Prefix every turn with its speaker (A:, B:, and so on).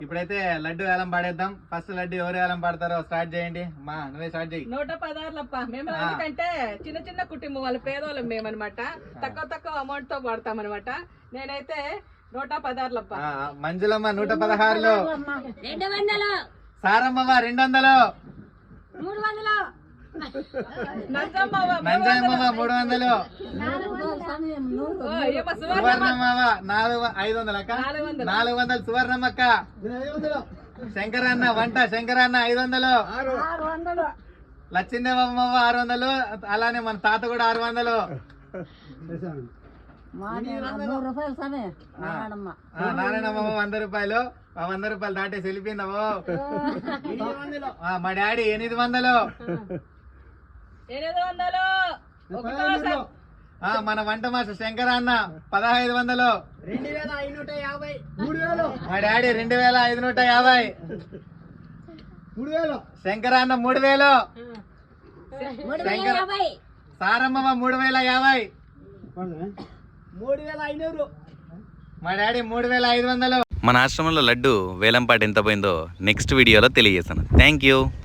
A: ఇప్పుడైతే లడ్డు వేలం పాడేద్దాం. ఫస్ట్ లడ్డు ఎవరు వేలం పాడతారో స్టార్ట్ చేయండి. మా నువ్వే స్టార్ట్ చేయి.
B: 116 మేము ఎందుకంటే చిన్న చిన్న కుటుంబం వాళ్ళ పేదవాళ్ళం మేమనమాట. తక్కువ అమౌంట్ తో పడతాం అనమాట. నేనైతే 116.
A: మంజులమ్మ 116. సారమ్మమ్మ 200. నంజమ్మమ్మ 300. సువర్ణమ్మ 500 అక్క. 400 సువర్ణమ్మక్క. శంకరన్న 500. లచ్చిందేవమ్మ 600. అలానే మన తాత కూడా 600. నారాయణమ్మ 100 రూపాయలు. 100 రూపాయలు దాటేసి వెళ్ళిపోయిందవో. మా డాడీ 800. మన వంట మాస్టర్ శంకర అన్న 1500. మా డాడీ 2550. శంకర అన్న 3000. సారమ్మ 3050. మా డాడీ 3500.
C: మన ఆశ్రమంలో లడ్డు వేలంపాట ఎంత పోయిందో నెక్స్ట్ వీడియోలో తెలియజేస్తాను. Thank you.